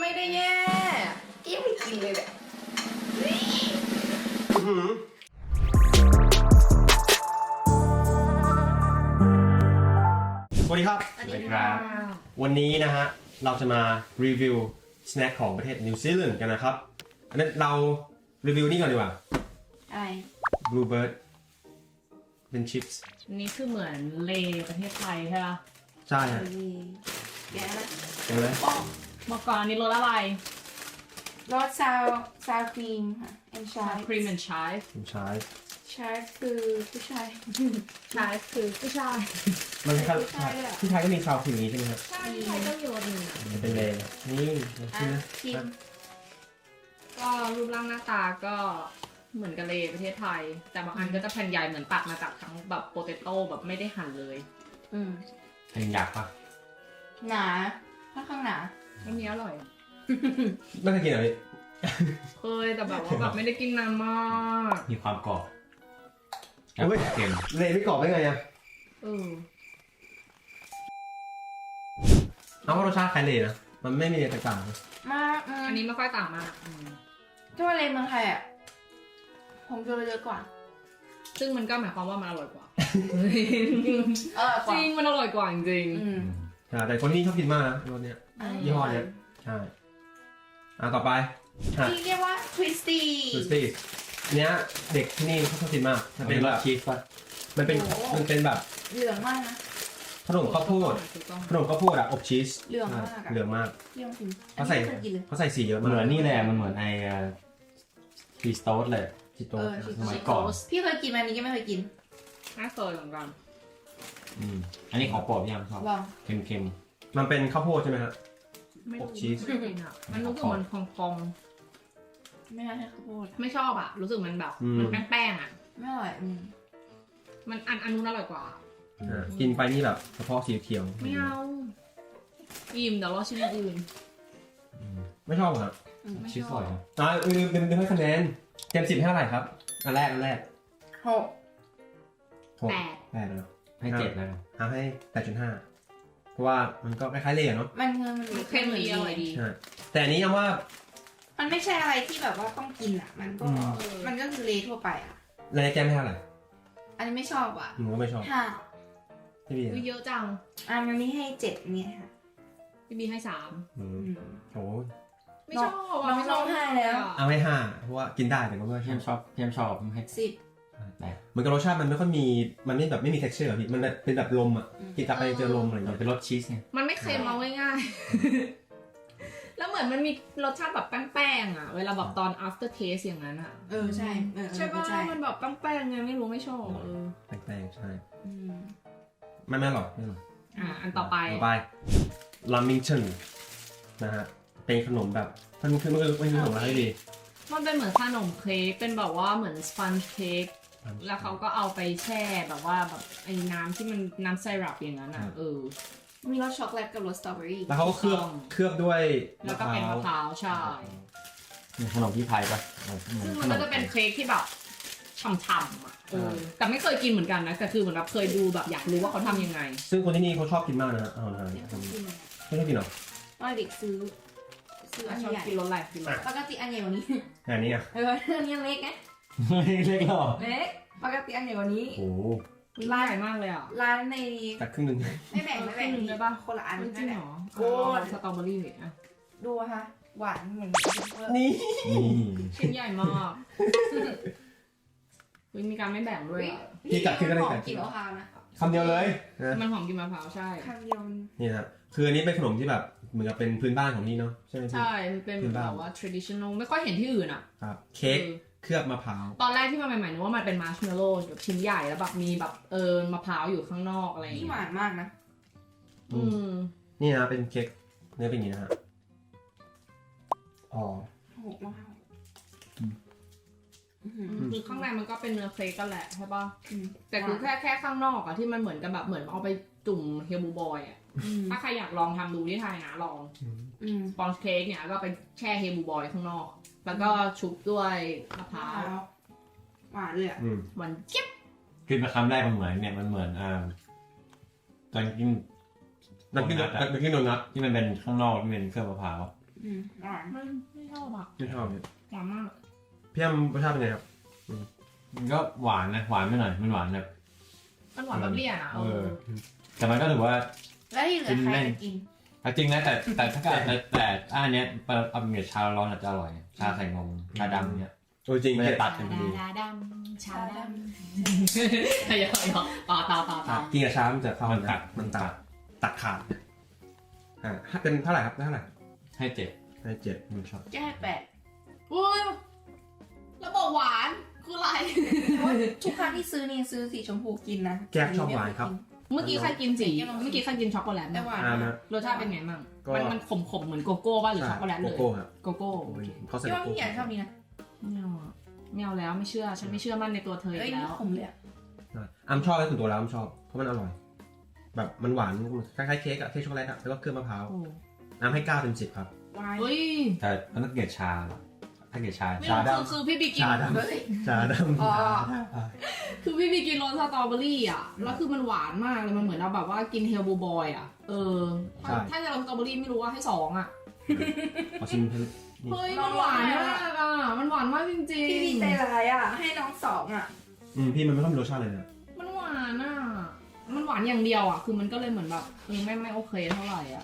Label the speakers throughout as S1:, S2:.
S1: ไม่ได้แย่กี้ไม่กินเลยแหละ
S2: สวัสดีครับ
S1: สวัสดีครับ
S2: วันนี้นะฮะเราจะมารีวิวสแน็คของประเทศนิวซีแลนด์กันนะครับอันนั้นเรารีวิวนี่ก่อนดีกว่า
S1: อะไร
S2: Bluebird เป็นชิปส์
S3: อันนี้คือเหมือนเลประเทศไทยใช่ปะ
S2: ใช่ฮะ
S1: แกะนะ
S2: เห็นไหม
S3: บอกก่อนอันนี้รสอะไร
S1: รสซาวครีมค่ะแอนชา
S3: ครีมแอนด์ชาย
S2: ผมใช้
S1: ชาคือผู้ชาย
S3: ชายคือผู้ชาย
S2: มันคล้าย
S1: ใช่เลยอะ
S2: ๆที่ไทยก็มีซาวครีมนี้ใช่ไหมครับ
S3: ใช่ที่ไทยก็มีรสหนึ่งอะ
S2: มันเป็นเลย์นี่ชิมนะ
S1: ชิม
S3: ก็รูปร่างหน้าตาก็เหมือนกับเลประเทศไทย แต่บางอันก็จะแผ่นใหญ่เหมือนตัดมาจากทั้งแบบโปเตโต้แบบไม่ได้หั่นเลย
S2: เห็นอยากปะ
S1: หนาค่อนข้างหนา
S3: อันนี้อร่อย
S2: ไม่เคยกินเหรอพี่
S3: เคยแต่แบบว่าแบบไม่ได้กินนานมาก
S4: มีความกรอบ
S2: โอ้ย
S4: เค็ม
S2: เลย์ไม่กรอบได้ไงอะ
S3: เออ
S2: เอาว่ารสชาติคล้ายเลย์นะมันไม่มีอะไรแตกต่างนะ
S1: มาก
S3: อันนี้ไม่ค่อยต่างมาก
S1: ถ้าว่าเลเมืองไทยอ่ะผมจะเยอะกว่า
S3: ซึ่งมันก็หมายความว่ามันอร่อยกว่า
S1: ก
S3: จ
S1: ว่า
S3: ริงมันอร่อยกว่าจริง
S2: ใช่แต่คนนี้ชอบกินมากนะรสเนี้ย ยี่ห้อเนี้ย ใช่ต่อไปฮะ
S1: ที่เรียกว่าทวิสตี้
S2: ดูสิเนี้ยเด็กที่นี่เขาชอบกินมากมัน
S4: เป็
S2: เป็น น
S4: ร
S2: แบ
S4: ส
S2: บ
S4: ชีสป่ะ
S2: มันเป็นแบบ
S1: เหลืองมากนะ
S2: ขนมข้าวโพด
S3: ถูกต้อง
S2: ขนมข้าวโพดอะอบชีส
S1: เหลืองมากอะ
S2: เหลืองมาก
S1: เรียกว่ากิน
S2: เขาใส่
S1: อันนี้ไม่เคยกินเลย
S2: เขาใส่สีเยอะ
S4: เห
S2: มาก
S4: มือนนี่แหละมันเหมือนไอ้ชีสโต๊สเลย
S2: จิโต้
S4: สมัยก่อน
S1: พี่เคยกินไหมอันนี้ก็ไม่เคยกิน
S3: น่าเคยเหมือนกัน
S4: อันนี้ของโปรดพี่ยามชอบ
S1: ลอง
S4: เค็ม
S2: มันเป็นข้าวโพดใช่ไหมฮะ
S3: ไม่
S2: อบ
S3: รู้
S2: ชีส
S3: ไม่กินอ่ะมันรู้สึกมันพอง
S1: ไม่น่าใช่ข้าวโพด
S3: ๆไม่ชอบอ่ะ รู้สึกมันแบบมันแป้งๆอ่ะ
S1: ไม่อร่อย
S3: มันอันนู้นอร่อยกว่า
S2: กินไปนี่แบบเฉพาะสีเขียว
S3: ไม่เอาอิ่มเดี๋ยวเราชิมอย่างอื่น
S2: ไม่ชอบเหรอ
S3: ไม่
S4: ๆชีส
S3: ช
S4: อ
S3: อบ
S4: ร่อยนะ
S2: เป็นให้คะแนนเต็ม10ให้เท่าไหร่ครับอันแรก
S1: หก
S2: หก
S3: แปด
S2: แปดเลย
S4: ให้7แล้วกัน
S2: ให้ 8.5 เพราะว่ามันก็คล้ายๆเลยเนาะ
S1: มัน
S3: เค็มดีอร่อยดี
S2: ใช่แต่อันนี้ยังว่า
S1: มันไม่ใช่อะไรที่แบบว่าต้องกินอ่ะ มันก็ มันก็คือเลทั่วไปอ่ะ
S2: ในแก้มให้เท่าไหร่
S1: อันนี้ไม่ชอบอ่ะ
S2: หนูก็ไม่ชอบ
S1: ห้า
S2: พี่บี
S3: อุ๊ยเยอะจัง
S1: อันนี้ให้เจ็ดเนี่ยค่ะ
S3: พี่บีให้3
S2: โอ้
S3: ไม่ชอบ
S1: น้
S3: อ่ะ
S1: อง
S3: ไม่ชอบ
S1: ร้องไห้แล้ว
S2: เอาให้5เพราะว่ากินได้แต่ก็ไม่
S4: พี่
S2: ช
S4: ยา
S2: อ
S4: ม
S2: บ
S4: ชอบพี่ยามชอบให้
S1: สิบ
S4: แต่
S2: เหมือนกับรสชาติมันไม่ค่อยมีมันไม่แบบไม่มี texture อะพี่มันแบบเป็นแบบลมอ่ะกินกลับไปเจอลมอะไรอย่าง
S4: มัน
S2: เงี้ย
S4: เป็นรสชีสไง
S3: มันไม่เค็มเอาง่ายๆ แล้วเหมือนมันมีรสชาติแบบแป้งๆอ่ะ เวลาแบบตอน after taste อย่างนั้นอ่ะ
S1: ใช่
S3: ใช่ป่ะ
S1: ใช่
S3: มันแบบแป้งๆไงไม่รู้ไม่ชอบเออ
S2: แปลกๆใช่ไม่หรอกไม่หรอก
S3: อันต่อไป
S2: ลามิงชันนะฮะเป็นขนมแบบมันคือมันเป็นขนมอะไรดี
S3: มันเป็นเหมือนขนมเค้กเป็นแบบว่าเหมือนสปันจ์เค้ก แล้วเขาก็เอาไปแช่แบบว่าแบบไอ้น้ำที่มันน้ำไซรัปอย่างนั้นอ่ะ
S1: มีรสช็อกโกแลตกับรสสตรอเบอรี่
S2: แล้วเขาก็เคลือบด้วย
S3: แล้วก็เป็นมะพร้าวใช่
S4: มีขนมที่ไทยป่ะ
S3: ซึ่งมันก็จะเป็นเค้กที่แบบฉ่ำๆอ่ะแต่ไม่เคยกินเหมือนกันนะแต่คือเหมือนแบบเคยดูแบบอยากรู้ว่าเขาทำยังไง
S2: ซึ่งคนที่นี่เขาชอบกินมากนะอาหาร
S1: เนี่ยต้องกิน
S2: ไม่ชอบกินหรอ
S1: ตอนเด็กซื้ออัน
S3: ชอบ
S1: ใหญ่
S3: กินรสอะไรกินรส
S1: ปกติอันใหญ่กว่านี้
S2: อันนี้อ่ะ
S1: อันนี้เล็กไง
S4: เล็กหรอ
S1: เล็กปกติอันใหญ่กว่านี้
S2: โอ้
S3: ร้านใหญ่มากเลยอ่ะ
S1: ร้านใน
S2: ตัดครึ่งหนึง
S1: ไม่แบ่ง
S3: ได้ปะ
S1: คนละอัน
S3: จริงเหรอ
S1: โอ้
S3: สตรอเบอรี่อ่ะ
S1: ดูค่ะหวานเหมือน
S2: นี่
S4: นี่
S3: ชิ้นใหญ่มากมีการไม่แบ่งด้วยอ่ะ
S1: กินมะพร้าวนะ
S2: คำเดียวเลยนะ
S3: มันหอมกินมะพร้าวใช่
S1: คำเดียว
S2: นี่นะคืออันนี้เป็นขนมที่แบบเหมือนกับเป็นพื้นบ้านของนี่เนาะใช่ไหมพี่
S3: ใช่มันเป็นแบบว่า traditional ไม่ค่อยเห็นที่อื่นอ่ะ
S2: ครับเค้กเคลือบมะพร้าว
S3: ตอนแรกที่มาใหม่ๆนึกว่ามันเป็นมาร์ชเมลโล่แบบชิ้นใหญ่แล้วแบบมีแบบมะพร้าวอยู่ข้างนอกอะไรอย่าง
S1: ที่
S3: เงี้
S1: ห
S3: ยว
S1: านมากนะ
S2: นี่นะเป็นเค้กเนื้อเป็นอย่างนี้นะฮะอ๋อ
S1: หกมะพร้าว
S3: คือข้างในมันก็เป็นเนื้อเค้กกันแหละใช่ป่ะแต่คือแค่ข้างนอกอะที่มันเหมือนกันแบบเหมือนเอาไปจุ่มเฮลบูบอยอะถ้าใครอยากลองทำดูที่ไทยนะลองสปอนจ์เค้กเนี่ยก็ไปแช่เฮลบูบอยข้างนอก แล้วก็ชุบด้วยมะพร้าว
S1: หวานเลยอ่ะ
S3: หวานเจี๊ยบ
S4: กินมาคำแรกมันเหมือนเนี่ยมันเหมือนตอนกิน
S2: นักกินโดนัท
S4: ที่มันเป็นข้างนอกที่เป็นเครื่องมะพร้าว
S1: อวาน
S3: ไม่ชอบอ่ะ
S2: ไม่ชอบเนี่ย
S3: หวานมาก
S2: พี่แอมรสชาติเป็นไงครับ
S4: มันก็หวานนะหวานไม่หน่อยมันหวานแบบ
S3: มันหวานแบบเลี่ยนอ่ะ
S4: แต่มันก็ถือว่า
S1: แล้วที่เหลือใครจะกิน
S4: จริงนะแต่ถ้าเกิดแต่อันเนี้ยเอาเป็นชาร้อนอาจจะอร่อยชาใส่นมชาดำเนี่ย
S2: โอ้ยจริง
S4: มัน
S2: เผ็
S4: จะ
S2: ด
S4: ตัดกันพอดี
S3: ดาดำชาดำอย่าต่อ
S2: กินกับช้ามันจะเข้า
S4: มันตัด
S2: มันตัดขาดถ้าเป็นเท่าไหร่ครับเท่าไหร่
S4: ให้เจ็บ
S2: ให้7มันชอบ
S1: แก้แปด
S3: อุ้ยแล้วบอกหวานคืออะไร
S1: ทุกครั้งที่ซื้อนี่ซื้อสีชมพูกินนะ
S2: แก้ชอบหวานครับ
S3: เมื่อกี้ใครกินสีเมื่อกี้ใครกินช็อกโกแลต
S1: แต่หวาน
S2: นะ
S3: รสชาติเป็นไงมั่ง
S2: ก็
S3: มันขมเหมือนโกโก้ป่ะหรือช็อกโกแลต
S2: โก
S3: เลย
S2: โก้ครับ
S3: โกโก้
S2: เขาใส่
S1: พี่
S2: โก
S1: ว่า
S2: โก้
S1: พี่ใหญ่ชอบนี้นะ
S3: ไม่เอาแล้วไม่เชื่อฉันไม่เชื่อมั่นในตัวเธอ
S1: เอ้ย
S3: อีก
S1: นี่
S3: แล้ว
S1: ขมเลยอะ
S2: อ้ำชอบเลยส่วนตัวแล้วอ้ำชอบเพราะมันอร่อย แบบมันหวานคล้ายๆเค้กอะเค้กช็อกโกแลตอะแล้วก็เครื่องมะพร้าว
S3: โอ้
S2: อ้ำให้9 เต็ม 10ครับ
S1: วาย
S3: เฮ้ย
S4: แต่มันต้องเกลียดชาถ้าเกลียดชา
S3: ไม่
S4: ชา
S3: รู้
S4: ดำ
S3: คือพี่บีกิน
S2: ชาดำ
S1: เฮ้ย
S2: ชาดำ
S1: อ๋อ
S3: คือพี่บีกินรสสตรอเบอรี่อ่ะแล้วคือมันหวานมากเลยมันเหมือนเราแบบว่ากินเฮลบูบอยอ่ะถ้าจะรสสตรอเบอรี่ไม่รู้ว่าให้2อ่ะ
S2: ขอชิมเพิ่ม
S3: เฮ้ยมันหวานมากอ่ะมันหวานมากจริง
S1: พี่ดีใจร้ายอ่ะ ให้น้อง2อ่ะ
S2: พี่มันไม่ค่อยมีรสชาติเลยนะ
S3: มันหวานอ่ะมันหวานอย่างเดียวอ่ะคือมันก็เลยเหมือนแบบไม่โอเคเท่าไหร่อ่ะ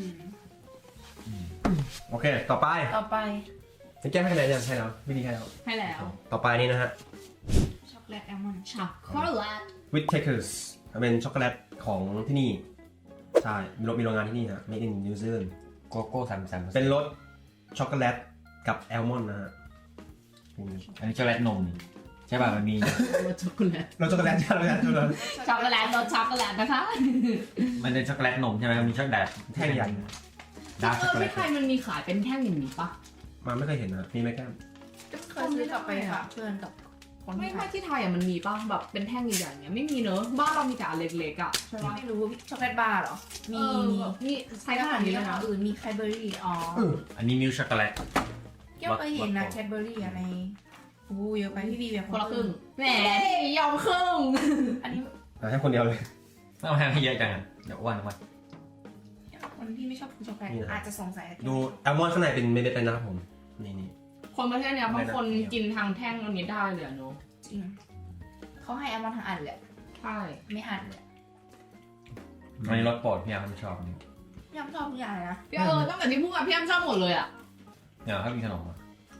S2: โอเค ต่อไป
S1: ต่อไป
S2: จะแก้ให้คะแนนยังให้แล้ววิธีให้แล้ว
S3: ให้แล้ว
S2: ต่อไปนี่นะฮะ
S1: ช็อกโกแลตแอลมอนด์
S3: ช็อกโกแลต
S2: with takers เป็นช็อกโกแลตของที่นี่ ใช่มีโรงงานที่นี่ฮะ made in New Zealand
S4: โกโก้33%
S2: เป็นรสช็อกโกแลตกับแอลมอนด์นะฮะ
S4: อันนี้ช็อกโกแลตนมนี่ใช่ป่ะมันมี
S3: รสช็อกโกแลต
S2: รสช็อกโกแลตใช่ไหมช็อกโกแลต
S3: ช็อกโกแลตรสช็อกโกแลตนะคะ
S4: มันเป็นช็อกโกแลตนมใช่ไหมมันมีช็อกโกแลต
S2: แท่งใหญ่
S4: ดาร์กช็อกโกแล
S3: ที่
S4: ต
S3: ไทยมันมีขายเป็นแท่งอย่างนี้ปะ
S2: มาไม่เคยเห็นนะมีไหมแก้ม
S1: เคยซื้อกลับไปฝากเพื่อนกับคน
S3: ไม่
S1: ที่ไท
S3: ไม่
S1: ย
S3: ที่ไทยอ่ะมันมีป่ะแบบเป็นแท่งใหญ่ๆเนี้ยไม่มีเนอะบ้านเรามีแต่อันเล็กๆอ่ะใช่ปะ
S1: ไม่รู้ช็อกโกแลตบาร์เหรอ มี
S3: แบบนี่ใช้ขนาดนี้เลยนะ
S1: อื่นมีแคดเบอรี่อ๋อ
S4: อันนี้มิลช็อกโกแลต
S1: เกี่ยวเคยเห็นนะแคดเบอรี่อะไรโอ้เยอะไปพี่บีแบบ
S3: คนละครึ่งแหมพี่ยอมครึ่ง
S1: อันนี้
S2: ให้คนเดียวเลย
S4: ไม่เอาให้เยอะจังเดี๋ยวอ้วน
S1: คนที่ไม่ชอบกินช็อกโกแลตอาจจะสงสัย
S2: ดูแอลมอนด์ข้างในเป็นเม็ดๆเลยนะครับผมนี่
S3: คนประเทศเนี้ยบางคนกินทางแท่งอันนี้ได้เลยอะเนอะ
S1: จริงเขาให้แอลมอนด์ทั้งอันเลย
S3: ใช่
S1: ไม่หั่นเลย
S4: อันนี้รสโปรดพี่อาร์มชอบนี่
S1: ยังชอบทุกอย่างเลยนะ
S3: พี่ตั้งแต่ที่พูดกับพี่อ้ำชอบหมดเลยอ่ะ
S4: เนี่ยถ้ามีขนม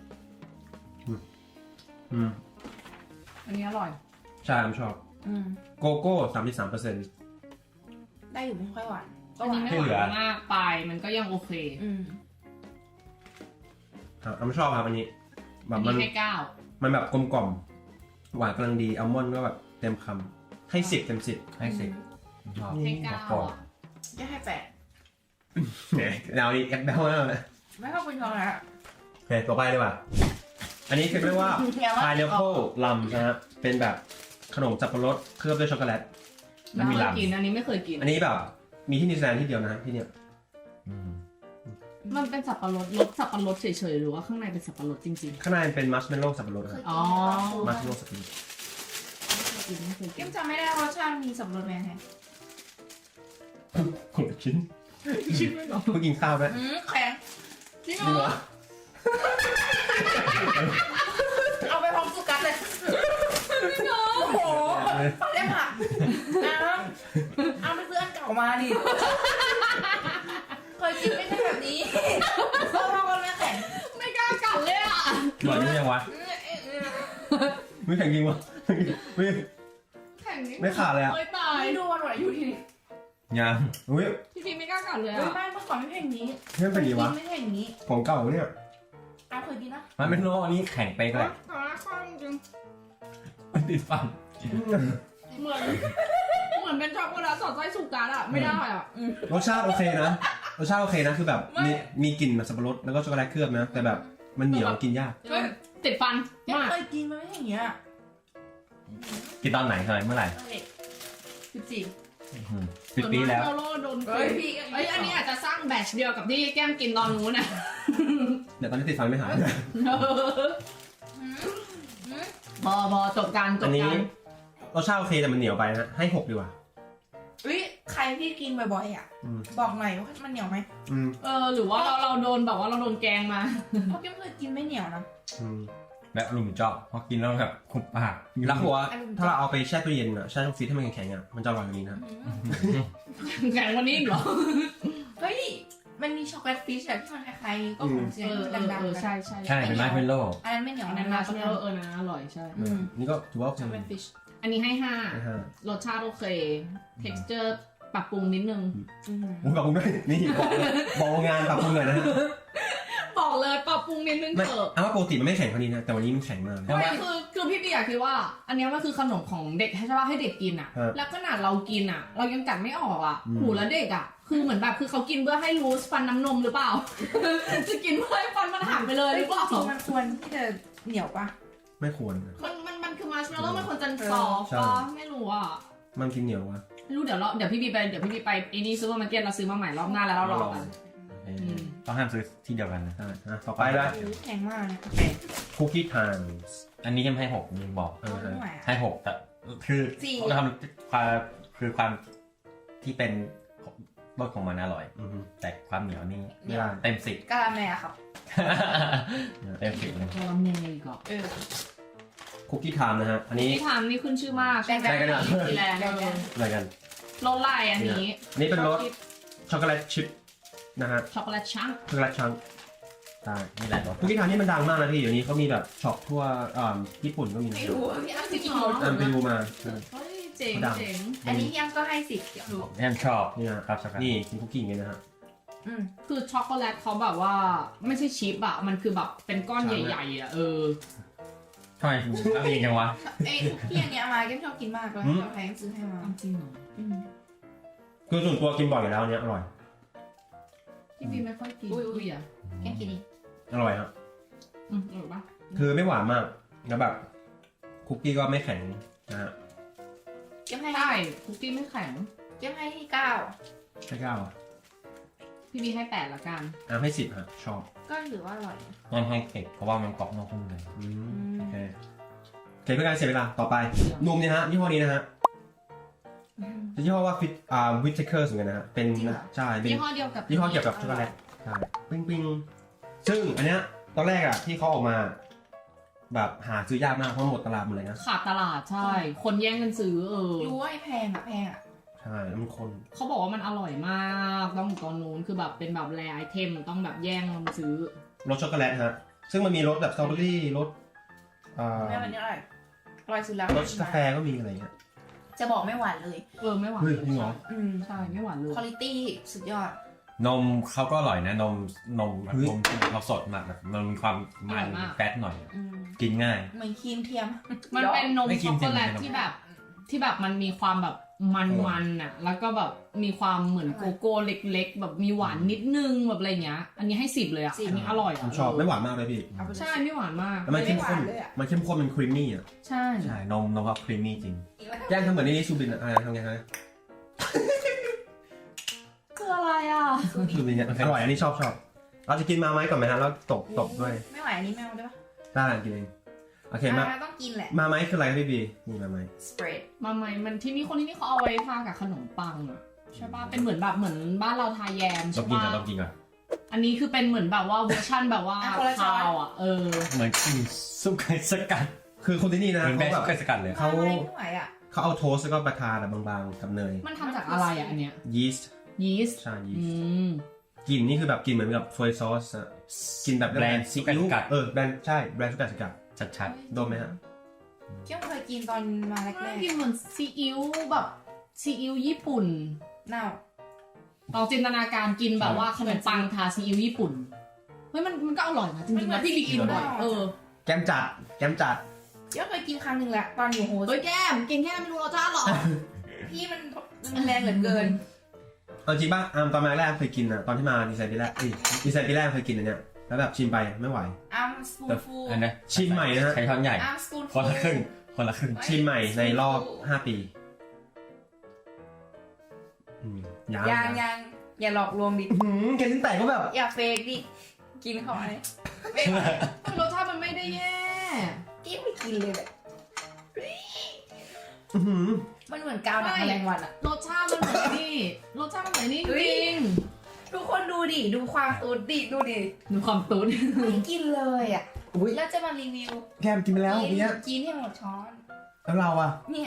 S3: อันนี้อร่อย
S2: ใช่ผมชอบโกโก้33%
S1: ได้อยู่ไม่ค่อยหวาน
S3: อันนี้ไม่หวานมากไปมันก็ยังโอเค
S2: ครับผมชอบครับอันนี้แบ
S3: อัน
S2: บ
S3: นี้ให้เก้า
S2: มันแบบกลมกล่อมหวานกำลังดีอัลมอนด์ก็แบบเต็มคำให้10 เต็ม 10
S4: ให้สิชอบ
S3: ให้เก้า
S4: โปรด
S3: อ่ะ
S1: จะให้8
S2: เนี่ยเราอีกแอปเปิลแล้วนะ
S1: ไม่ชอบกินช็อกโกแลต
S2: โอเคต่อไปเลยว่ะอันนี้คือเรียกว่า pineapple rum นะฮะเป็นแบบขนมสับปะรดเคลือบด้วยช็อกโกแลต
S3: ไม่เคยกินอันนี้ไม่เคยกิน
S2: อันนี้แบบมีที่นิวซีแลนด์ที่เดียวนะที่เนี่ย
S3: มันเป็นสับปะรดรสสับปะรดเฉยๆหรือว่าข้างในเป็นสับปะรดจริง
S2: ข้างในเป็นมัชเมลโล่สับปะรดครับ
S3: อ๋อ
S2: มัชเมลโล่สับปะรด
S3: ไม่เคยกิ
S1: เก็
S3: น
S1: มจำไม่ได้รสชาติมีสับปะรดไหมแฮะ
S2: คนละชิ้น
S3: ชิมไม่หรอ
S2: เพิ่งกินข้าวด้วย
S1: แข็ง
S3: จริง
S2: จริง
S3: เห
S2: เห
S3: ร
S2: ร
S3: อ
S2: อ
S1: เอาไปพร้อมสุกัสเลยโอ้โหเล่มหักเอาไปซื้ออันเก่ามาดิเคยกินไม่ใช่แบบนี้เพราะว่ามันไม่แข็ง
S3: ไม่กล้ากัดเลยอ่ะ
S4: หวานนี่ยังวะ
S2: ไม่แข็งจริงวะไม่
S3: แข็งนิด
S2: ไม่ขาดเลยอะ
S3: เฮ้ยตาย
S1: ไม่ดูวันหวานอยู่ที
S4: ยัง
S2: อุ้ย
S3: พี่พีไม่กล้ากัดเลย
S1: เฮ้ย
S3: อ่ะ
S1: บ้านเมื่อก่อนไม่ใช่อย่างนี้
S2: นี่มันเป็นอย่างนี้วะ
S1: ไม่ใช่อย่างนี้
S2: ของเก่าเนี่ย
S1: เอาเคยกินนะ
S4: มันเป็นโลอันนี้แข็งไปก็เลย
S3: ตาข้างจริง
S4: ติดฟัน
S3: เหมือนเป็นช็อกโกแลตสอดไส้สุกัสอ่ะไม่ได้อ่ะ
S2: รสชาติโอเคนะรสชาติโอเคนะคือแบบมีกลิ่นแบบสับปะรดแล้วก็ช็อกโกแลตเคลือบนะแต่แบบมันเหนียวกินยาก
S3: เฮ้ยติดฟัน
S1: ยัง
S3: มาก
S1: เคยกินมันไม่ใช่อย่างเงี้ย
S4: กินตอนไหนเมื่อไหร่
S1: 14
S4: 10 ปีแล้ว
S3: เหมือนมาร์ชเมลโล่โดน
S1: เฮ้ยพี่
S3: เอ้ยอันนี้อาจจะสร้างแบตช์เดียวกับที่แก้มกินตอนนู้นน่ะ
S2: เดี๋ยวตอนนี้ติดฟันไม่หาย
S3: พอจบกันจ
S2: อั
S3: บ
S2: นนี้
S3: กัน
S2: รสชาติโอเคแต่มันเหนียวไปนะให้6ดีกว่า
S1: อุ้ยใครที่กินบ่อยๆอ่ะ
S2: อืม
S1: บอกหน่อยว่ามันเหนียวไหม
S2: อืม
S3: หรือว่าเราโดนแบบว่าเราโดนแกงมา
S1: เพราะแก้มเคยกินไม่เหนียวนะ
S2: อืม
S4: แบบอารมณ์ชอบพอกินแล้วแบบคุบปาก
S2: แล้วเขาบอกว่าถ้าเราเอาไปแช่ตู้เย็นอะแช่ตู้ฟรีซให้มันแข็งๆอะมันจะอร่อยกว่านี้นะ
S3: แกงวันนี้อีกเหรอ
S1: เฮ้ยมันมีช็อกโกแลตฟิชแบบที่มันคล้ายๆก็ของเซียนที่มันดังๆ
S3: ใช่ใช่
S4: ใช่เป็นไม้เป็นโลก
S1: อันนั้นไม่เหนียว
S3: อันนั้นมาชเนลนะอร่อยใช่
S2: นี่ก็ถือว่า
S1: ช็อกโกแลตฟิช
S3: อันนี้ให้ห้า
S2: นะฮะ
S3: รสชาติโอเค texture ปรับปรุงนิดนึง
S2: โอ้ยขอบคุณด้วยนี่บอกงานปรับปรุงหน่อยนะฮะ
S3: บอกเลยปรับปรุงนิดนึง
S2: ไม่
S3: เถอะ
S2: เอาว่าปกติมันไม่แข็งเท่านี้นะแต่วันนี้มันแข็งมากเลย
S3: ไม่คือพี่เบียร์คิดว่า อันเนี้ยมันคือขนมของเด็กใช่ป่ะให้เด็กกินอ่ะ
S2: ครับ
S3: แล้วขนาดเรากินอ่ะ เรายังกัดไม่ออกอ่ะ
S2: อืม
S3: หูแล้วเด็กอ่ะ คือเหมือนแบบคือเขากินเพื่อให้รู้ฟันน้ำนมหรือเปล่า จะกินเพื่อให้ฟันมันหักไปเลยหรือเปล่า
S1: จริงๆมันควรที่จะเหนียวปะ
S2: ไม่ควร
S3: มันคือมาร์ชเมลโล่มันควรจะซอฟต์
S2: ใช่
S3: ป่ะไม่รู้อ่ะ
S2: มันกินเหนียววะ
S3: ไม่รู้เดี๋ยวพี่บีไปไอ้นี่ซูเปอร์มาร์เก็ตเราซื้อมาใหม่รอบหน้าแล้วเราลองกัน ม
S4: ต้องห้ามซื้อที่เดียวกันนะ
S2: ได้นะต่อไปเลย
S1: แข็งมากนะ
S2: คุกกี้ไทม์
S4: อันนี้ยังให้หกยังบอก
S1: ไม่ไหว
S4: ให้หกแต่คือ
S1: สี่
S4: เราทำความที่เป็นรสของมันอร่อย แต่ความเหนียวนี่
S2: ไม่ได้
S4: เต็มสิบ
S1: กะละแมครับ
S4: เต็มสิบเลย
S3: กำลังเนยก่อน
S2: คุกกี้ไทม์นะฮะอันนี้
S3: ที่ทำนี่ขึ้นชื่อมาก
S1: แบ่งกัน
S3: สีแรง
S2: อะไรกัน
S3: รสลายอันนี้
S2: อันนี้เป็นรสช็อกโกแลตชิพนะฮะ
S3: ช็อกโกแลตชัง
S2: ช็อกโกแลตชังได้
S4: นี่แหละรส
S2: คุกกี้ไทม์นี่มันดังมากนะพี่เดี๋ยวนี้เขามีแบบช็อปทั่วญี่ปุ่นก็มีนะ
S1: ไม่รู้พี่อ้ำ
S3: จริ
S1: กิ
S3: ง
S1: น
S3: เหรอ
S2: ไปดูมา
S3: เฮ้ยเจ๋งเจ๋ง
S1: อันนี้พี่อ้ำก็ให้10เดี๋ยว
S4: ยังชอบ
S2: นี่นะครับ
S4: ช็อกโกแลต
S2: นี่กินคุกกี้อย่างเงี้ยนะฮะ
S3: คือช็อกโกแลตเขาแบบว่าไม่ใช่ชิปอะมันคือแบบเป็นก้อนใหญ่ๆอะ
S4: ทำไมต้องเรียนจังวะ
S1: ไอ้พี่อันเนี้ยมาแก้มชอบกินมากเลยใครซื้อให้มา
S3: จริงเหรอ
S2: คือส่วนตัวกินบ่อยอยู่แล้วอันเนี้ยอร่อย
S3: พี่บีไม่ค่อยกินอุ้ยอะ
S1: แก้มกินอีก
S2: อร่อยครับ
S3: อร่อยปะ
S2: คือไม่หวานมากแล้วแบบคุกกี้ก็ไม่แข็งนะฮะ
S1: แก้มให้
S3: ใช่คุกกี้ไม่แข็ง
S1: แก้มให้ที่9
S2: ให้เก้าอ่ะ
S3: พี่บีให้8ละกัน
S2: ให้10ฮะชอบ
S1: ก็ถือว่าอร่อย
S4: ยังให้เก็บเพราะว่ามันกรอบนอกนุ่มใน
S2: โอเคโอเคเพื่อการเสียเวลาต่อไปนมเนี่ยฮะยี่ห้อนี้นะฮะยี่ห้อว่าวิทเทอร์เหมือนกันนะฮะเป็นใช่เป็น
S3: ยี่ห้อเดียวกับ
S2: ยี่ห้อเกี่ยวกับช็อกโกแลตใช่ปิ้งซึ่งอันเนี้ยตอนแรกอ่ะที่เขาออกมา แบบหาซื้อยากมากเพราะหมดตลาดหมดเลยนะ
S3: ขาดตลาดใช่ คนแย่งกันซื้อ
S1: รู้ว่าไอ้แพงอ่ะ
S2: ใช่แล้วมันคน
S3: เขาบอกว่ามันอร่อยมากต้องตอนนู้นคือแบบเป็นแบบแรไอเทมต้องแบบแย่งกันซื้อ
S2: รสช็อกโกแลตฮะซึ่งมันมีรสแบบสตรอเบอรี่รส
S1: แม่วันนี้อร่อยสุดแล้ว
S2: รสกาแฟก็มีอะไรเงี้ย
S1: จะบอกไม่หวานเลย
S3: ไม่หวาน
S2: เฮ้ยจริงเหรอ
S3: ใช่ไม่หวานเลย
S1: คุณภาพสุดยอด
S4: นมเขาก็อร่อยนะนมเราสดมากแบบมันมีความมันแฟตหน่อย กินง่าย
S1: เหมือนครีมเทียม
S3: มันเป็นนม
S4: ไม่กิ
S3: ช็
S4: น
S3: อกโกแลต
S4: จริงๆ
S3: ที่แบบมันมีความแบบมันๆอ่ะแล้วก็แบบมีความเหมือนโกโก้เล็กๆ แบบมีหวานนิดนึงแบบอะไรเงี้ยอันนี้ให้10เลยอ่ะอันนี้อร่อย
S2: ผมชอบไม่หวานมากเลยพี่
S3: ใช่ไม่หวานมาก
S2: แล้วมันเข้มข้น
S1: ไม่หวานเลยอะ
S2: มันเข้มข้นมันครีมมี่อ่ะ
S3: ใช่
S4: ใช่นมเขาครีมมี่จริง
S2: แย่งทำเหมือนนี่ซูบินอะไรทำไงฮะ
S3: คืออะไรอ่ะ
S2: ซูบินเนี่ยอร่อยอันนี้ชอบเราจะกินมาไหมก่อนไหมฮะแล้วตบด้วย
S1: ไม่ไหวอันนี้ไม่เอาได้ปะ
S2: ได้กินเองโอเคมา
S1: ต้องกินแหละ
S2: มาไหมคืออะไรครับพี่บีนี่มาไหม
S1: สเปรด
S3: มาไหมมันที่นี่คนที่นี่เขาเอาไว้ทากับขนมปังอ่ะใช่ป่ะเป็นเหมือนแบบเหมือนบ้านเราทาแยม
S4: ต้อ
S3: ใช่
S4: งกิน
S3: ป่ะ
S4: ก่อนต้องกินก่อน
S3: อันนี้คือเป็นเหมือนแบบว่าเวอร์ชั่นแบบว่าคาวอ่ะ
S4: เหมือนกินซุปไก่สกัด
S2: คือคนที่นี่นะ
S4: เหมือนแม่
S2: เขา
S4: ซุ
S2: แบบ
S4: ปไก่สกัดเลย
S2: เขา
S1: ไม่ไหวอ่ะ
S2: เขาเอาโทสต์แล้วก็บาทาแบบบางๆกับเนย
S3: มันทำจากอะไรอ่ะอันเนี้ย
S2: ยีสต์
S3: ยีสต์
S2: ใช่ยี
S3: อื
S2: สต์
S3: ม
S2: กลิ่นนี่คือแบบกลิ่นเหมือนกับโซยซอสอะกินแบบ
S4: แบรนด์ซุปไก่สกัด
S2: แบรนด์ใช่แบรนด์ซุปไก่สกัด
S4: ชัด
S2: โดนไหมฮะ
S1: เกี่ยวเคยกินตอนมาแร
S3: น่าก กินเหมือนซีอิ๊วแบบซีอิ๊วญี่ปุ่น
S1: ๆเน่า
S3: ลองจินตนาการกินแบบว่าขนมปังทาซีอิ๊วญี่ปุ่นเฮ้ยมันก็อร่อยนะจริงๆนะพี่บีกินบ่อย
S2: แก้มจัด
S1: เกี่ยวเคยกินครั้งหนึ่งแหละตอนอยู่โฮส
S3: เฮ้ยแก้มกินแค่ไม่รู้รสชาติหรอ
S1: พี่มันแรงเหลือเกิน
S2: เอาจริงป่ะตอนมาแรกเคยกินอะตอนที่มาดีไซน์ปีแรกดีไซน์ปีแรกเคยกินอันเนี้ยแล้วแบบชิมไปไม่ไหว
S1: อัมสปูนฟู
S4: ๆอันนี้
S2: ชิมใหม่นะฮะ
S4: ใช้ช้อนใหญ่
S1: อัมสปูน
S4: ค
S1: ฟู
S4: นละครึ่งคนละครึ่ง
S2: ชิมใหม่ในรอบ5 ปียัง
S1: ยังอย่าหลอกลวงดิ
S2: แกลิ้นแตกก็แบบ
S1: อย่าเฟกดิกินเข้าไปไม่
S3: รสชาติมันไม่ได้แย่
S1: กินไม่กินเลยแหละ
S2: อื้อหือ
S1: มันเหมือนกาวหนังแมลงวันอะ
S3: รสชาติมันเหมือนนี่รสชาติมันเหมือนนี่จริง
S1: ทุกคนดูดิ ดูความตูดดิ ดูดิ
S3: ดูความตุ้น
S1: ไม่กินเลยอ่ะ
S2: อุ้ย
S1: แล้วจะมารีวิว
S2: แคมกินไปแล้ว
S1: กิน
S2: เนี้ย
S1: กินให้หมดช้อน
S2: แล้วเราอะ
S1: เนี่ย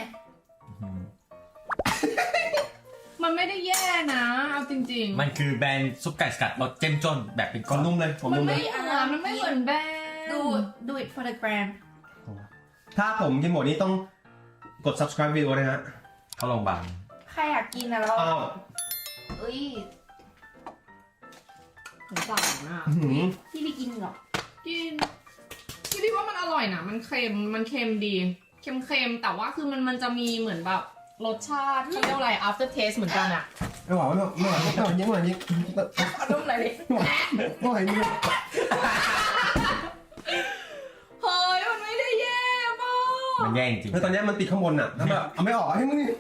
S3: มันไม่ได้แย่นะเอาจริงๆ
S4: มันคือแบรนด์ซุปไก่สกัดรสเจ้มจนแบบเป็น
S2: ข
S4: ก้
S2: อ
S4: อน
S2: นุ่มเลยผม
S3: มัน
S2: นุ่มเล
S3: ไม่
S2: ย
S3: เหมือนมันไม่เหมือนแบรนด์
S1: ดู it for the gram
S2: ถ้าผมกินหมดนี้ต้องกด subscribe วิดีโอนะฮะ
S4: เข้าโรงพยาบาล
S1: ใครอยากกินนะเรา
S2: อ้าว
S1: เอ้ย
S3: สงสารอ่ะ
S2: อื้อหือ
S1: พี่ไปกินเหรอ
S3: กินพี่ว่ามันอร่อยนะมันเค็มดีเค็มแต่ว่าคือมันจะมีเหมือนแบบรสชาติเขาเรียกว่าอะไร after taste เหมือนกันอ่ะ
S2: ไม่ไหวไม่ไหวไม่ไหวยิงไม่ไหวยิง
S1: เอานุ่มหน่อยดิ
S2: ไม่ไหวยิง
S3: เฮ้ยมันไม่ได้แย่ป่ะ
S4: มันแย่จริง
S2: แล้วตอนนี้มันติดข้างบนอะถ้าแบบเอาไม่ออกให้มึงนี่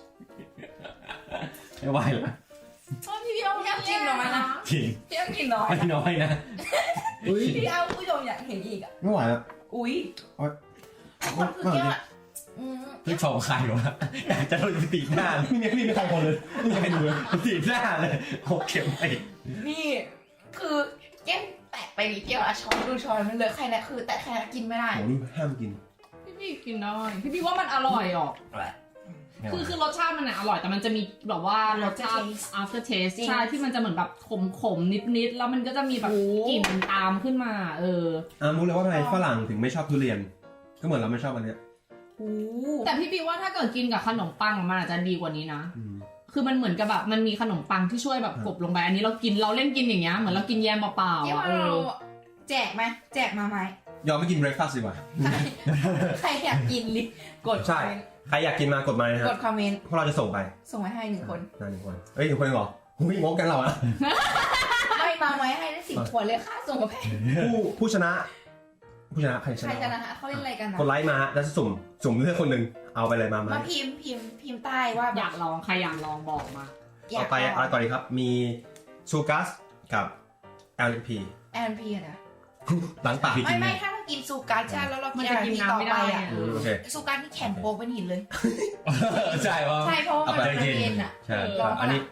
S4: ไม่ไหวแล้ว
S3: พี่เอาอยากกินหน่อยนะ
S4: จริง
S1: พี่ต้องกินน้อย
S4: ไม่น้อยนะ
S2: อุ้ย
S1: พี่เอาผู้ชมอยากเห็นอีกอ่ะ
S2: ไม่ไหวแล้ว
S1: อุ้ย
S2: โอ๊ย
S1: คนคือเกี้ยวอ่ะอืม
S4: พี่ชมใครวะอยากจะโดนตีหน้าเลย
S2: ไม่มีใครคนเลยไม่มีใครดูเลย
S4: ตีหน้าเลยโอเคไป
S1: นี่คือแก้มแตะไปนิดเดียวอะช้อนดูช้อนมันเลอะใครนะคือแต่ใครนะกินไม่ได้
S2: โหนี่ห้ามกิน
S3: พี่กินได้พี่ว่ามันอร่อยอ่ะคือรสชาติมันอะอร่อยแต่มันจะมีแบบว่ารสชาติ after taste ใช่ที่มันจะเหมือนแบบขมนิดแล้วมันก็จะมีแบบกลิ่นตามขึ้นมา
S2: รู้เลยว่าทำไมฝรั่งถึงไม่ชอบทุเรียน ก็เหมือนเราไม่ชอบอันเนี้ย
S1: โอ้
S3: แต่พี่บีว่าถ้าเกิดกินกับขนมปังมันอาจจะดีกว่านี้นะ
S2: อืม
S3: คือมันเหมือนกับแบบมันมีขนมปังที่ช่วยแบบกลบลงไปอันนี้เราเล่นกินอย่างเงี้ยเหมือนเรากินแยมเปล่า
S1: เกี้ยว
S3: ๆ
S1: เราแจกไหมแจกมาไหม
S2: ยอมไม่กิน breakfast ดีกว่า
S1: ใครอยากกินลิกด
S2: ใช่ ใครอยากกินมากดมานะฮะ
S1: กดคอมเมนต์
S2: พวกเราจะส่งไป
S1: ส่งมาให้1 คน
S2: นานหนึ่งคนเอ้ย1 คนเหรอหุ้ยงกกันเราอะ
S1: ไม่มาไหมให้ได้10 ขวดเลยค่าส่งมาแพง
S2: ผู้ชนะใครช
S1: ใคร
S2: นะ
S1: กันนะคะเขาเล่นอะไรกันนะ
S2: กดไลค์มาฮะแล้วจะสุ่มเลือกคนหนึ่งเอาไปเลยมา
S1: มาพิมพ์ใต้ว่า
S3: อยากลองใครอยากลองบอกมา
S2: ต่อไปอะไรก่อนดีครับ มีซูกัสกับ LP
S1: แอนพีนะ
S2: ล้างปาก
S1: ไม่ถ้าเรากินซูการ์ใช่แล้วเรา
S3: มั
S1: กิ
S3: น
S1: น
S3: จะ
S1: แอน
S3: กิน
S1: พี
S3: น้ำ
S1: ต่อ
S3: ไม่
S1: ไป
S3: ได้
S1: อ่ะ
S3: อะ
S2: โอเค
S1: ซูการ์ที่แข็งโป๊กเป็นหินเลย
S4: ใช่ว่า
S1: ใช่เพราะว่ามัน
S4: เอาไป
S1: เย็นอ่ะ
S4: ใช่
S2: อันนี้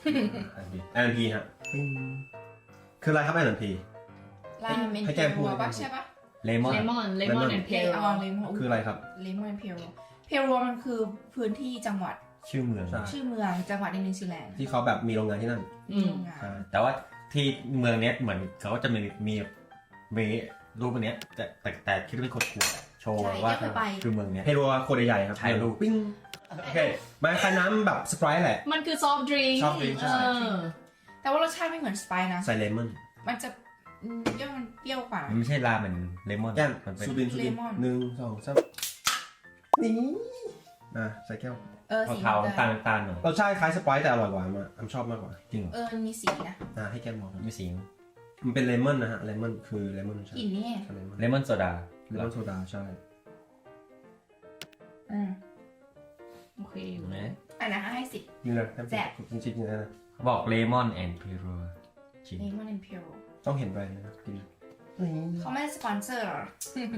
S2: LP ฮะคืออะไรครับ LP
S1: ราเมน
S2: ให้แกพูด
S1: ป่ะใช่ป่ะ
S4: เลมอน
S3: เลมอนแอนเพ
S1: เพ
S3: ล
S1: ลออนเลมอน
S2: คืออะไรครับ
S1: เลมอนเพลเพลมันคือพื้นที่จังหวัด
S4: ชื่อเมือง
S2: ใช่
S1: ชื่อเมืองจังหวัดในนิวซีแลนด์
S2: ที่เขาแบบมีโรงงานที่นั่น
S1: โรงงาน
S2: ใช่
S4: แต่ว่าที่เมืองเนี้ยเหมือนเขาก็จะมีรูปอันเนี้ยแต่คิดว่าเป็นคนขวดโชว์ว่าคือเมืองเนี้ย
S2: เฮโรโคตรใหญ่ครับ
S4: ถ่ายรูป
S2: ปิ้งโอเคมาคล้ายน้ำแบบสไปร์แหละ
S3: มันคือซอฟต์ดริงก์
S2: soft drink ใช่
S1: แต่ว่ารสชาติไม่เหมือนสไปซ์นะ
S2: ใส่เลมอน
S1: มันจะเปรี้ยวมันเปรี้ยวกว่า
S4: มันไม่ใช่ราเหมือนเลมอน
S2: แก้ม
S4: มันเป็น
S2: ซูบิน
S1: เลมอน
S2: 1 2 3นี่ใส่แก้ว
S1: สี
S4: เทาๆตาลหน่อย
S2: รสชาติคล้ายสไปร์แต่อร่อยกว่าผมชอบมากกว่า
S4: จริงเหรอ
S1: มีสีนะ
S2: ให้แก้มมอง
S4: ไม่สิง
S2: มันเป็นเลมอนนะฮะเลมอนคือเลมอนใช่
S1: กลิ่นนี่
S2: ใช่เลมอน
S4: เลมอนโซดา
S2: เลมอนโซดาใช่
S3: โอเค
S4: เห็นไหม
S1: อันนั้นให้สิ
S2: นี่เลย
S1: แซ่บ
S2: จริงๆนะ
S4: เขาบอกเลมอนแอนด์พิโรจริง
S1: เลมอนแอนด์เพล
S2: ต้องเห็นแบรนด์นะครับกิน
S1: เขาไม่ได้สปอนเซอร์หรอ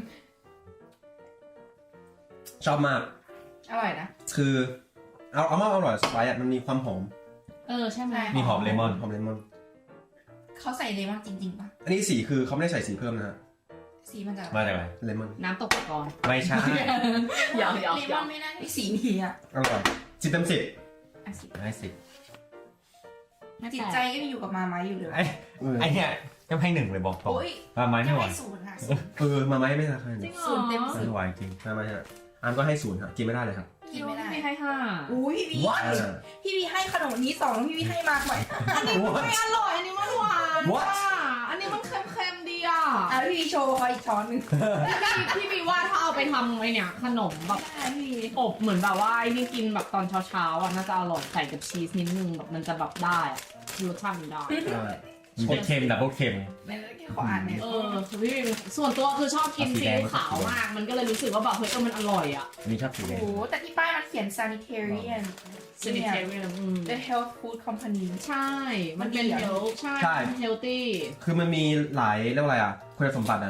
S2: ชอบมาก
S1: อร่อยนะ
S2: คือเอามาอร่อยสไปร์มันมีความหอม
S3: ใช่ไหม
S4: มีหอมเลมอน
S2: หอมเลมอน
S1: เขาใส่เลมอนจริงๆป่ะ
S2: อันนี้สีคือเขาไม่ได้ใส่สีเพิ่มนะฮะ
S1: สีมันจะ
S4: มาจากไหน
S2: เลมอน
S3: น้ำตกตะกอน
S4: ไม่ใช่
S3: หยอก
S1: เลมอนไม่น่าได้สีนี้อ่ะ
S2: อร่อย10 เต็ม 10
S1: อ่ะสิ
S4: ไม่สิ
S1: จิตใจก็ยังอยู่กับมาไม้อยู่เลย
S4: ไอเนี่ยยังให้1เลยบอกตรง
S1: โอ้ย
S4: มาไม่
S1: ยัง
S4: ไหว
S1: ให้0 ค่ะ
S2: มาไหมไม่ราคา
S3: จริ
S2: เนี่ย
S3: งเหร
S1: ศูนย์เต็ม
S3: อ
S4: ไม่ไหวจริง
S2: มาไหมฮะอันก็ให้0ครับกินไม่ได้เลยครับ
S1: กินไม่ได้
S3: พี่ให้ห้า
S1: อุ้ยพี่
S2: อ่า
S1: พี่วีให้ขนมนี้2พี่วีให้มากหน่อย
S3: ไม่อร่อยอันนี้มันหวาน
S2: What?
S3: อันนี้มันเค็มๆดีอ่ะ
S1: แล้วพี่วีโชว์เขาอีกช้อนหนึ่ง
S3: พี่บีว่าถ้าเอาไปทำไอเนี่ยขนมแบบ
S1: ได้พี่วี
S3: อบเหมือนแบบว่าไอ้นี่กินแบบตอนเช้าๆอ่ะน่าจะอร่อยใส่กับชีสนิดนึงแบบมันจะแบบได้อ่ะรสชาติมันได้
S4: มันจะเค็มดับเบิลเค็ม
S1: ไม่ได้แค่ขออ่านเนี่ย
S3: พี่ส่วนตัวคือชอบกิน
S4: เอาสี
S3: ซี
S4: แดง
S3: อิ๊วขาวมาก มันก็เลยรู้สึกว่าแบบเฮ้ยมันอร่อยอ่ะ
S4: อันนี้ชอบสีแด
S1: โอ้
S4: ง
S1: โหแต่ที่ป้ายมันเขียน sanitarian
S3: sanitarian
S1: the health food company
S3: ใช่ มันเป็น
S1: มันดี
S3: เฮ
S1: อะ
S3: ลใช่
S2: ใช่
S3: เฮลตี้
S2: คือมันมีหลายเรียกว่าอะไรอ่ะคุณสมบัตินะฮะ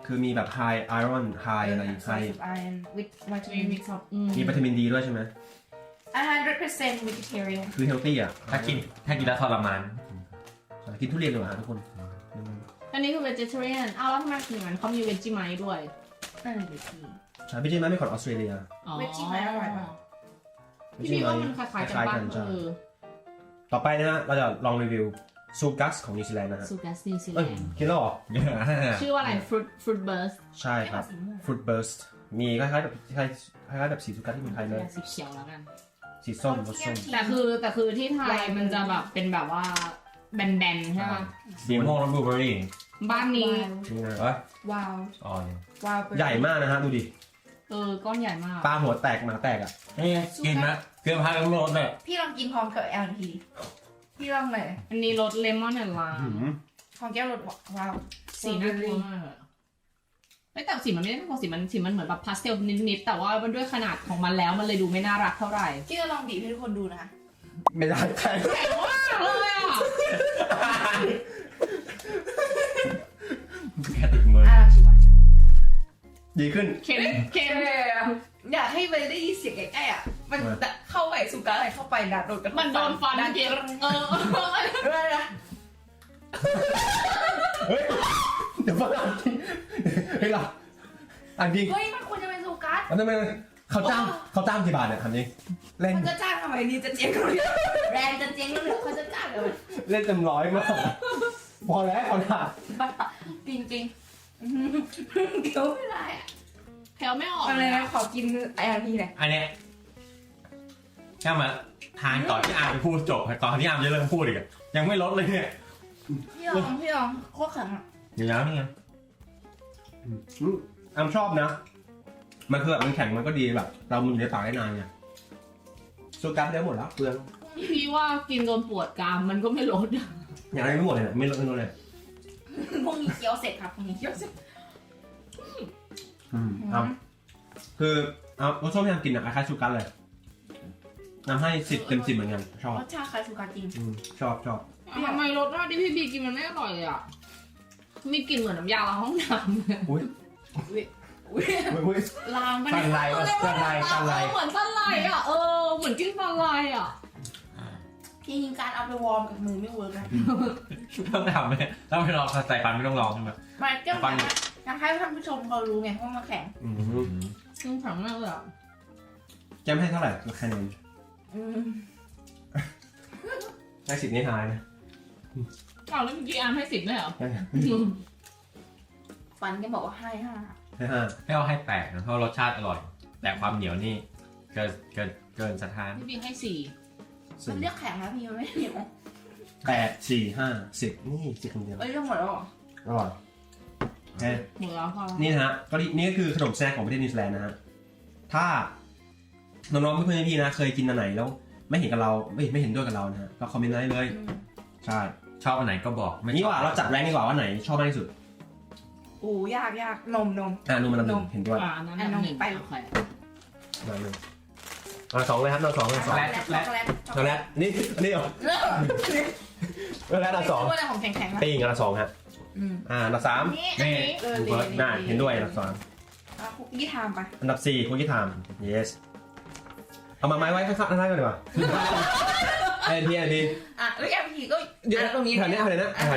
S2: คือมีแบบ high iron high อะไร high
S1: iron with
S3: มี
S1: vitamin
S3: มิกซ์
S2: มีวิตามินดีด้วยใช่ไหม
S1: 100% vegetarian
S2: คือ healthy อ่ะ
S4: ถ้ากินแล้วทรมาน
S2: กินทุเรียนดีกว่าทุกคน
S3: อันนี้คือ vegetarian อ้าวแล้วทำไมถึงนั้นเขามี Vegemite ด้วย
S1: นั่นแหละพี่
S2: ใช่พี่เจมส์ไม่ของออสเตรเลีย
S3: อ๋อ
S1: Vegemite อร่อยปะ
S3: พี่ว่ามันคล้ายๆกันป่ะ
S2: ใช่
S3: เออ
S2: ต่อไปนะฮะเราจะลองรีวิวซูกัสของนิวซีแลนด์นะฮะ
S3: ซูกัสนิวซีแล
S2: เอ้ย
S3: นด์
S2: กินแล้วเหรอ
S3: ชื่อว่าอะไร fruit burst
S2: ใช่ครับ fruit burst มีคล้ายๆแบบสีซูกัสที่เมืองไทยเลย
S3: สีเขียวแล้วกัน
S2: สีส้มรสส้ม
S3: แต่คือที่ไทยมันจะแบบเป็นแบบว่าแบนๆใช่ไหม
S4: สีม่วงแล้วบลูเบอร์รี่
S3: บ้านนี้
S2: นี่นะ
S4: เอ้ย
S1: ว้าว
S4: อ๋อ
S1: ว้าว
S2: ใหญ่มากนะฮะดูดิ
S3: ก้อนใหญ่มาก
S2: ปลาหัวแตกหมาแตกอ่ะ
S4: นี่ไงกินนะเกลือพายกับรสเลย
S1: พี่ลองกินพร้อมกับแอลทีพี่ลองหน่อย
S3: อันนี้รสเลมอนแอนด์ไล
S2: หื
S3: ม์
S2: ม
S1: ของแก้วรสว้าว
S3: สีน่ากลัวมากอะแต่สีมันไม่ได้น่ากลัวสีมันเหมือนแบบพาสเทลนิดๆแต่ว่ามันด้วยขนาดของมันแล้วมันเลยดูไม่น่ารักเท่าไหร่
S1: พี่จะลองบีบให้ทุกคนดูนะ
S2: ไม่ได้แข็ง
S3: แข็งมากเลยอ่ะ
S4: แค่ติดมือ
S1: ลองชิมก่อน
S2: ดีขึ้น
S3: เค็ม
S1: อยากให้ไปได้ยินเสียงใกล้ๆอ่ะ มันเข้าไปสุกาอะไรเข้าไปดัดโดนกัน
S3: มันโดนฟัน
S1: ดัน
S3: เค็มเออ
S1: ด้วยนะ
S2: เฮ้ยเดี๋ยวฟังอ่านจริงเฮ้ยเราอ่านจริง
S1: เฮ้ยมันควรจะเป็นสุกัส
S2: แล้วทำไมเขาจ้างกี่บาทเนี่ยทำจริงเล่น
S1: มันจะจ้างทำไมนี่จะเจ๊งเลยแบรนด์จะเจ๊งแล้วเขาจะจ้างเลย
S2: เล่นเต็มร้อยมากพอแล้วเอาหนา
S1: บ้าจริงๆเดี๋ยวไม่ได้อะ
S3: แถวไม่ออก
S1: อะไรนะขอกินไออาร์พีหน่อย
S4: อันเนี้ยแค่มาทานก่อนที่อาร์มจะพูดจบตอนที่อาร์มจะเริ่มพูดอีกอะยังไม่ลดเลยเนี่ย
S1: พี่ลองโคตรแข็งอ่ะ
S4: เดี๋ยวนี่ไง
S2: อามชอบนะ มันคือแบบมันแข็งมันก็ดีแบบ เรามันอยู่ในปากได้นานไงซูกัสได้หมดแล้วเปลือง
S3: พี่ว่ากินจนปวดกรามมันก็ไม่ลด
S2: อย่างไรไม่หมดเลยนะไม่ลดเลย
S1: พรุ่งนี้เคี้ยวเสร็จครับพรุ่งนี้เคี้ยวเสร็จ
S2: เอาคือเอารสส้มที่ทำกินอะคล้ายๆซูกัสเลยนำให้10 เต็ม 10เหมือนกันชอบ
S1: รสชาติคล้ายสุกัสจริง
S2: ชอบ
S3: ทำไมรสชาติที่พี่บีกินมันไม่อร่อยเลยอ่ะมีกลิ่นเหมือนน้ำยาล้างห้องน้ำเลย
S2: อุ้ย
S1: ลางมัน
S2: สันไลสันไลสันไล
S3: เหมือนสันไลอ่ะเหมือนกินสันไลอ่ะ
S1: จริงๆการเอาไปวอร์มกับมือไม่เวิร์กนะ
S4: ต้องทำไหมถ้าไม่ลองใส่ฟันไม่ต้องลองใช่ไหม
S1: ไม่ก็อยากให้ท่านผู้ชมเขารู้ไงว่ามันแข็ง
S3: มันแข็งมากเลยอ่ะ
S2: แจมให้เท่าไหร่คะแนน
S1: อืม
S2: ได้10นี่ทายนะ
S3: อ้าวแล้วเมื่อกี้อาร์มให้10ด้วยเหรอ
S1: ฟันก็บอกว่าให้ห้า
S2: ให้5
S4: ให้เอาให้แตกนะเพราะรสชาติอร่อย แต่ความเหนียวนี่เกินสถาน
S3: พี่บีให้
S1: มันเรียกแข็งนะพี่มันไม่เหนียว
S2: 8 4 5 10นี่10คนเดียว
S1: เอ้ยเรื่องหมดแล้วเหรอ
S2: อร่อย
S3: 4หมดแล้วพอ
S2: นี่นะฮะก็นี่ก็คือขนมแซกของประเทศนิวซีแลนด์นะฮะถ้าน้องๆเพื่อนๆพี่นะเคยกินอันไหนแล้วไม่เห็นกับเราไม่เห็นด้วยกับเรานะฮะก็คอมเมนต์ได้เลยใช่
S4: ชอบอันไหนก็บอกไม่
S2: นี่
S4: ชอบ
S2: ว่าเราจัดแรงดีกว่าว่าไหนชอบมากที่สุด
S1: โอ้ยากนม
S2: นุ่มมันลำหนึ่งเห็นด้วย
S3: อันนั้นอันหนึ่งไปโอเค
S2: มาหนึ่งสองเลยครับสองเลย
S1: ช็อกโกแลตช็อกโกแลต
S2: ช็อกโกแลตนี่เหรอช็อกโกแลตสอง
S1: ช็อกโกแลตของแข็งๆนะ
S2: ปิ้งอันละ2ฮะอันดับ3
S1: นี่อันนี้
S2: น่าเห็นด้วยอันดับ2
S1: คุกกี้ไทม์ไป
S2: อันดับ4คุกกี้ไทม์ yes เอามาไม้ไว้ข้างๆนั่นกันดีกว่าไอ้ที
S1: อ่ะแล้วแอมพีก็
S2: เดี๋ยว
S1: ตรงนี้
S2: แถวนี้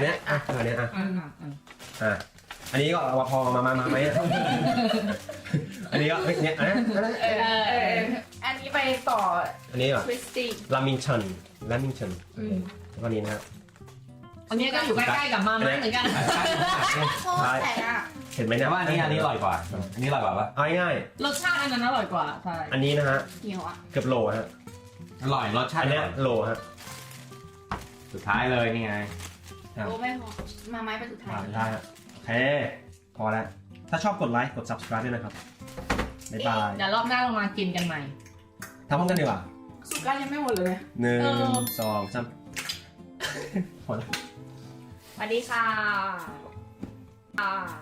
S2: อันนี้ก็พอมาไหมอันนี้ก็เนี่ยอัน
S1: นี้ไปต่อ
S2: อันนี้ก่อน
S1: ทวิสตี้
S2: ลามิงชันแล้วก็นี้นะครับ
S3: อันนี้ก็อยู่ใกล้ๆกับมาม่าเหมือนกัน
S1: โคตรแข็งอ่ะ
S2: เห็นไหม
S4: แต่
S2: เนี่ย
S4: ว่าอันนี้อร่อยกว่าอันนี้อร่อยกว่าปะ
S2: เอาง่าย
S3: รสชาติอันนั้นอร่อยกว่าใช่
S2: ๆอันนี้นะฮะ
S1: เหนียวอ่ะ
S2: เกือบโลฮะ
S4: อร่อยรสชา
S2: อั
S4: ติ
S2: นเนี้ยโลฮะ
S4: สุดท้ายเลยนี่ไง
S1: โอ้ไม่พอมาไม้ไปสุดท้าย
S2: ได้ฮะโอเคพอแล้วถ้าชอบกดไลค์กด subscribe ด้วยนะครับบ๊ายบาย
S3: เดี๋ยวรอบหน้าเรามากินกันใหม่
S2: ทำพร้อมกันดีกว่า
S1: สุก้ายังไม่หมดเลย
S2: 1 2 3พอแล้ว
S3: สวัสดีค่ะ